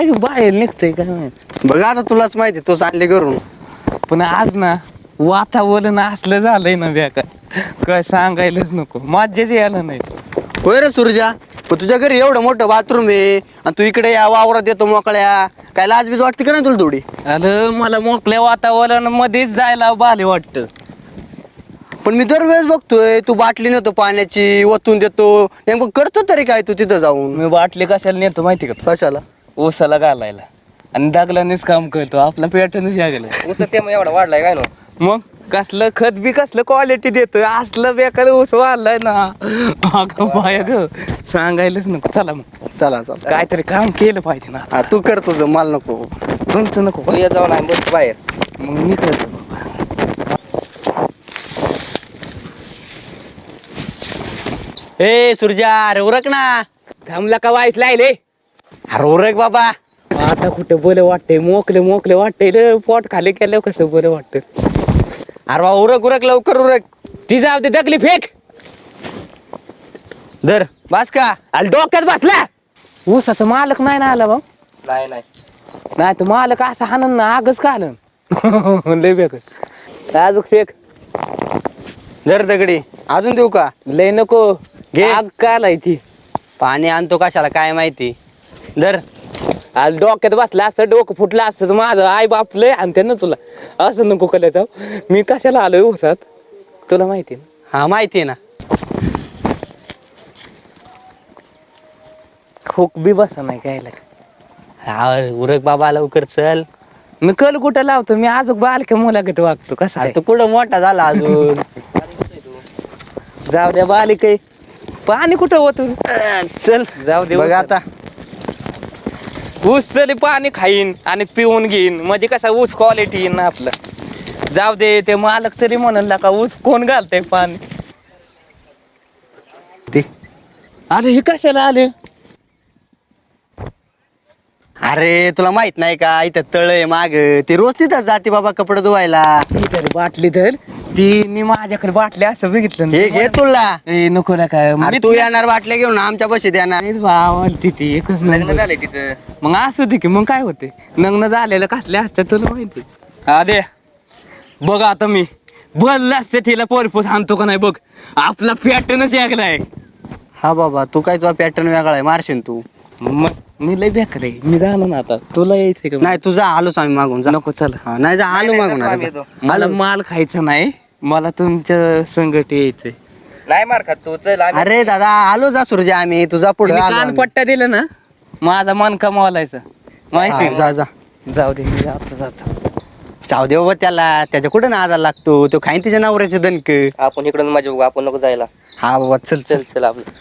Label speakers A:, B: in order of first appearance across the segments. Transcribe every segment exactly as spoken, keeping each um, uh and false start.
A: बाहेर निघतोय काय माहित.
B: बघा आता तुलाच माहिती तूच आणले करून.
A: पण आज ना वातावरण असलं झालंय ना बेकार, काय सांगायलाच नको, मज्जाच यायला नाही.
B: होय रे सुरजा, पण तुझ्या घरी एवढं मोठं बाथरूम आहे आणि तू इकडे या वावरात येतो मोकळ्या, काय लाज बीज वाटते का नाही तुला थोडी?
A: अरे मला मोकळ्या वातावरण मध्येच जायला भारी वाटतं.
B: पण मी दरवेळेस बघतोय तू बाटली नेतो पाण्याची, ओतून देतो, नेमकं करतो तरी काय तू तिथं जाऊन?
A: मी बाटली कशाला नेतो माहिती का?
B: कशाला?
A: ऊसाला घालायला, आणि दागलानेच काम करतो, आपला पॅटर्नच यागला.
C: ऊस त्यामुळे एवढा वाढलाय काय नो?
A: मग कसलं खत बी कसलं क्वालिटी देतोय, असलं बेकार ऊस वाढलाय ना. अगं बाय ग, सांगायलाच नको. चला मग
B: चला चला
A: काहीतरी काम केलं पाहिजे ना.
B: हा तू कर तुझं, मला नको.
A: तुमचं नको
C: तू ये जाऊन आहे बस बाहेर.
A: मग मी करतो बाबा.
B: ए सुरजा, अरे उरक ना.
A: थांबला का वाईट लायले?
B: अरे उरक बाबा.
A: आता कुठं बरं वाटतंय, मोकले मोकले वाटतंय रे, पोट खाली केलं कसं बरं वाटतं.
B: अरे बाबा उरक उरक लवकर उरक.
A: ती जाऊ दे, दगली फेक.
B: धर बास का?
A: आणि डोक्यात बसला. ऊसाचा मालक नाही ना आला भाऊ.
C: नाही नाही
A: नाही तर मालक असं हाणन ना, आगच का आलं. लय बेकार. अजून फेक.
B: धर दगडी. अजून देऊ का?
A: लय नको,
B: घे.
A: आग का लायची.
B: पाणी आणतो कशाला काय माहिती. धर.
A: आज डोक्यात बसला असतं, डोकं फुटलं असतं तर माझं आई बाप लय आणते ना तुला. असं नको करायचं. मी कशाला आलोय ऊसात तुला माहिती ना?
B: हा माहिती आहे ना.
A: खूक बी बसा नाही घ्यायला.
B: हा उरक बाबा लवकर चल.
A: मी कल कुठं लावतो, मी अजून बालक्या मुलागत वागतो कसा.
B: अरे तू कुठं मोठा झाला अजून.
A: जाऊ द्या बालिक, पाणी कुठं होत.
B: चल
A: जाऊ दे.
B: बघ आता.
A: ऊस तरी पाणी खाईन आणि पिऊन घेईन, म्हणजे कसा ऊस क्वालिटी येईन ना आपलं. जाऊ दे, ते मालक तरी म्हणाल का ऊस कोण घालतंय पाणी.
B: ते
A: अरे हे कशाला आले?
B: अरे तुला माहित नाही का, इथं तळ आहे माग, ते रोज तिथं जाते बाबा कपडे धुवायला.
A: ती तरी बाटली धर, ती मी माझ्याकडे बाटली असं बघितलं ना.
B: हे घे तुला.
A: ए नको ना काय,
B: अरे तू येणार बाटल्या घेऊन आमच्या बशी देणार.
A: तिथे एकच
C: लग्न
A: नंबर.
C: झालंय तिचं.
A: मग असू दे की, मग काय होते, लग्न झालेलं कसले असतात तुला माहिती. हा दे बघ, आता मी बोलला असते तिला पोरपोस आणतो का नाही बघ, आपला पॅटर्नच यागलाय.
B: हा बाबा तू काय, तुझा पॅटर्न वेगळा आहे, मारशील तू.
A: मग मी लय बेकार आहे, मी जाणं ना आता. तुला यायचंय का?
B: नाही तुझा आलोच आम्ही मागून जा.
A: नको चला.
B: हा, नाही जा आलो
C: नाही,
B: मागून.
C: नको, आम्ही
B: अरे,
C: येतो.
A: मला माल खायचा नाही, मला तुमच्या संगत यायचंय.
C: नाही मार खात तू, चल आम्ही.
B: अरे दादा आलो जा सुरजा, आम्ही तुझा पुढे
A: तुम्ही कान पट्टा दिला ना, माझा मन कमावलायचा माहिती.
B: जा जा.
A: जाऊ दे, मी जातो जातो.
B: जाऊ दे बाबा त्याला, त्याच्या कुठे नादा लागतो, तो खाईन तिच्या नवऱ्याचे दणक.
C: आपण इकडून माझ्या बघू, आपण नको जायला.
B: हा बाबा चल
C: चल
B: चल.
C: चल आपलं.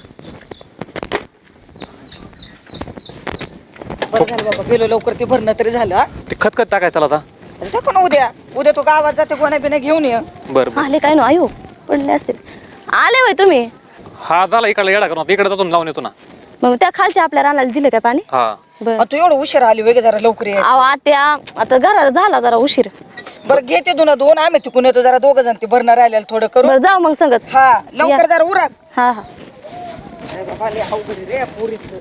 D: बरं झालं बाबा, गेलो लवकर, ते भरणं तरी झालं. हा?
A: ते खतखत टाकायचं आता.
D: अरे टाकू ना उद्या. उद्या तो गावात जाते, गोण्या बिण्या घेऊन ये.
A: बरं
E: आले काय नो आयो पडले असतील. आले वय तुम्ही?
F: हा झाला इकडे येडा करून इकडे जातो लावून येतो ना.
E: मग त्या खालच्या आपल्या रानाला दिलं काय पाणी?
F: हा
E: बरं.
D: अ, तू एवढं उशीर आली वेगळे, जरा लवकर ये.
E: अहो आत्या, आता घराला झाला जरा उशीर.
D: बरं घेते दोन दोन, आम्ही तिकून येतो, जरा दोघ जण ते भरणं राहिलेलं थोडं करू.
E: बरं जाऊ मग संगच.
D: हा लवकर जरा उरक.
E: हा हा.
D: अरे बाबा, लय अवघड आहे रे पोरीचं.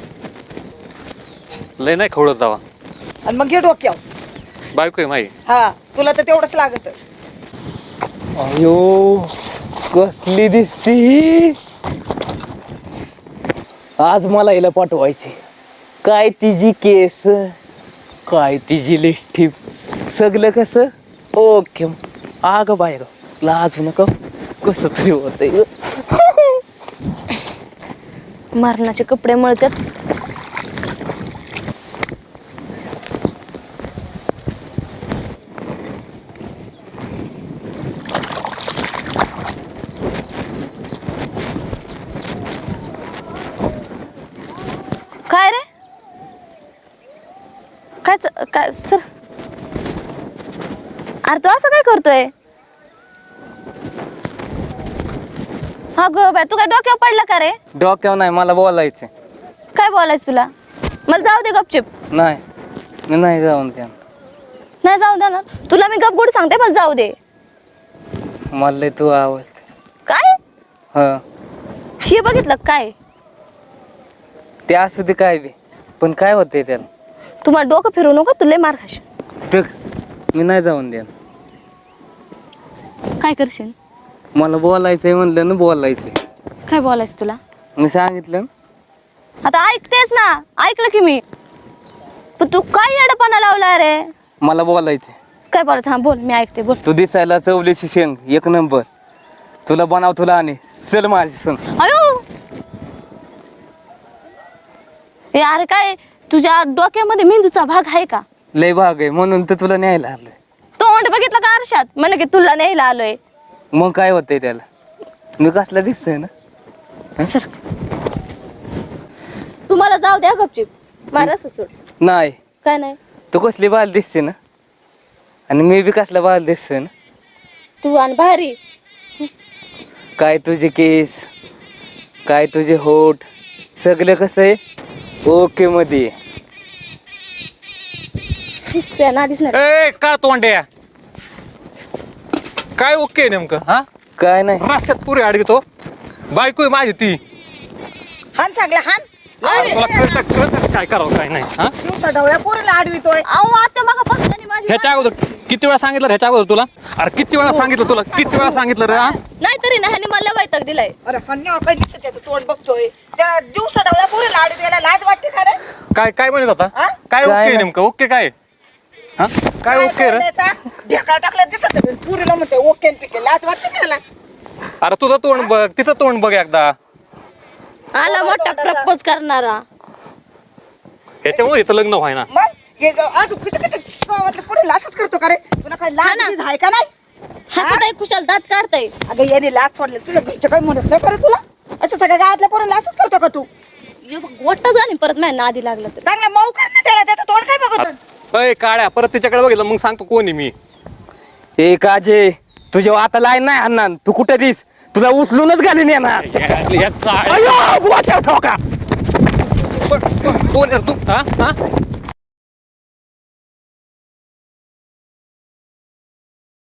F: लय नाही खवळत जावा,
D: आणि मग घे डोक्यावर.
F: बायको आहे माई.
D: हा तुला तर तेवढंच लागत.
A: अयो कसली दिसती. आज मला हिला पाठवायची. काय तिची केस, काय तिची लिस्टिप, सगळं कसं ओके. आग बाय ग, लाजू नका, कसं तरी होतंय.
E: मरणाचे कपडे मळतात. काय रे, काय च- काय सर, अरे तू असं काय करतोय? हा ग बाय, तू काय डोक्यावर पडला का रे?
A: डोक्यावर नाही, मला बोलायचं.
E: काय बोलायचं तुला? मला जाऊ दे गपचिप.
A: नाही मी नाही जाऊन त्या.
E: नाही जाऊ दे ना तुला, मी गपगुड सांगते, मला जाऊ दे.
A: मला लय तू आवाज.
E: काय
A: हा
E: हे बघितलं काय?
A: ते असू दे काय बी, पण काय होतंय त्याला?
E: तुम्हाला डोकं फिरू नको तुला मार खाशील.
A: तर मी नाही जाऊन द्या.
E: काय करशील?
A: मला बोलायचंय म्हणलं ना बोलायचंय.
E: काय बोलायचं तुला?
A: मी सांगितलं ना.
E: आता ऐकतेस ना, ऐकलं की मी. पण तू काय येडपणा लावला रे?
A: मला बोलायचंय.
E: काय बोलायचं? हा बोल, मी ऐकते बोल.
A: तू दिसायला चवलीची शेंग एक नंबर. तुला बनाव तुला आणि चल माझी संग.
E: अयो ए अरे काय तुझ्या डोक्यामध्ये मेंदूचा भाग आहे का?
A: लय भाग आहे म्हणून तर तुला न्यायला आलोय.
E: तोंड बघितलं का आरशात? म्हणे की तुला न्यायला आलोय.
A: मग काय होतंय त्याला? मी कसला दिसतोय ना?
E: सर तुम्हाला जाऊ द्या गपचिप. मारस सोड.
A: नाही.
E: काय नाही?
A: तू कसली बाल दिसते ना आणि मी बी कसला बाल दिसतोय ना.
E: तू आणि भारी.
A: काय तुझे केस, काय तुझे होठ, सगळं कसं आहे ओके मध्ये.
E: त्या नादीच नाही.
F: ए काय तोंड्या काय ओके नेमकं हा
A: काय नाही.
F: रस्त्यात पुरी अडगतो बायको आहे माझी ती.
D: हान चांगला हान.
F: अरे तुला कळतं कळतं काय करावं काय नाही हा
D: दिवसा डवळ्या पोरीला आडवितोय.
E: अहो आता बघा पक्षाने माझी
F: ह्याच्या अगोदर किती वेळा सांगितलं ह्याच्या अगोदर तुला? अरे किती वेळा सांगितलं तुला किती वेळा सांगितलं रे हा
E: नाही तरी ना ह्याने मला वैताग दिलाय.
D: अरे हन्या काय दिसत त्याचं तोंड बघतोय. त्या दिवसा डवळ्या पोरीला आडवायला लाज वाटते का रे?
F: काय काय म्हणत होता
D: हा?
F: काय
A: काय
F: ओके
A: नाही.
F: नेमकं ओके काय हा काय ओके रे
D: त्याचा ढेकळा टाकला दिसत असेल. पुरीला म्हणते ओके न पिके लाज वाटते का त्याला?
F: अरे तुझं तोंड बघ तिचं तोंड बघ एकदा.
E: आला मोठा प्रपोज करणारा.
F: ह्याच्यामुळे हिचं लग्न व्हाय ना.
D: मग हे ग- आज किती किती गावातल्या पोरीला असंच करतो का रे? तुला काय
E: हा
D: लाज
E: ना.
D: बीज आहे का नाही?
E: हसत आहे कुशाल दात काढताय.
D: अगं याने लाज सोडले तुला घरचे काय म्हणत नाही का रे तुला? असं सगळ्या गावातल्या पोरीला असंच करतो का तू?
E: गोट्ट झाली परत नाही नादी लागला तर.
D: चांगला मऊ कर ना त्याला. त्याचं तोंड काय बघत?
F: अय काळ्या परत तिच्याकडे बघितलं मग सांगतो कोण आहे मी.
A: ए काजे तुझ्या आता लाईन नाही आणणार. तू कुठे दिस तुला उचलूनच घालून येणार.
F: या काळ्या-
A: अयो, बुवाच्या ठोका.
F: कोण कोण आहे रे तू हा हा